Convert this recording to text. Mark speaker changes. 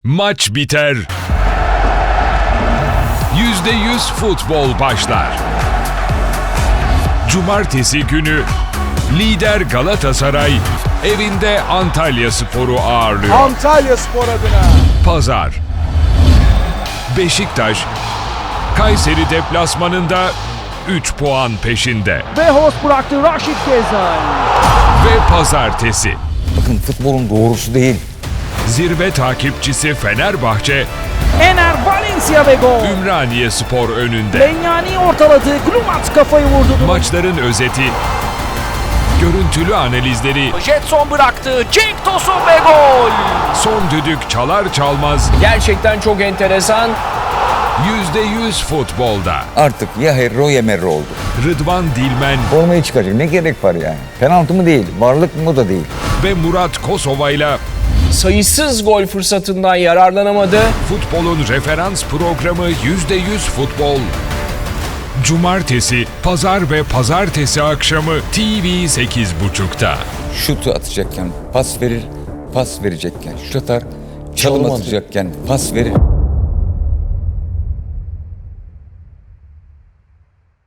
Speaker 1: Maç biter. %100 futbol başlar. Cumartesi günü lider Galatasaray evinde Antalyaspor'u ağırlıyor.
Speaker 2: Antalyaspor adına.
Speaker 1: Pazar. Beşiktaş Kayseri deplasmanında 3 puan peşinde.
Speaker 3: Ve host bıraktı Raşit Gezal.
Speaker 1: Ve pazartesi.
Speaker 4: Bakın futbolun doğrusu değil.
Speaker 1: Zirve takipçisi Fenerbahçe
Speaker 3: Ener Valencia ve gol.
Speaker 1: Ümraniyespor önünde.
Speaker 3: Lenyani ortaladı. Glumat kafayı vurdu.
Speaker 1: Maçların özeti, görüntülü analizleri,
Speaker 3: Jetson bıraktı. Cenk Tosun ve gol.
Speaker 1: son düdük çalar çalmaz
Speaker 5: Gerçekten çok enteresan.
Speaker 1: %100 futbolda.
Speaker 4: Artık ya Herro ya Merro oldu.
Speaker 1: Rıdvan Dilmen
Speaker 4: Formayı çıkaracak. Ne gerek var yani? Penaltı mı değil, varlık mı da değil.
Speaker 1: ve Murat Kosova'yla
Speaker 5: Sayısız gol fırsatından yararlanamadı.
Speaker 1: futbolun referans programı %100 futbol. Cumartesi, pazar ve pazartesi akşamı TV 8.30'da.
Speaker 4: Şutu atacakken pas verir, pas verecekken şut atar. Çalım atacakken pas verir.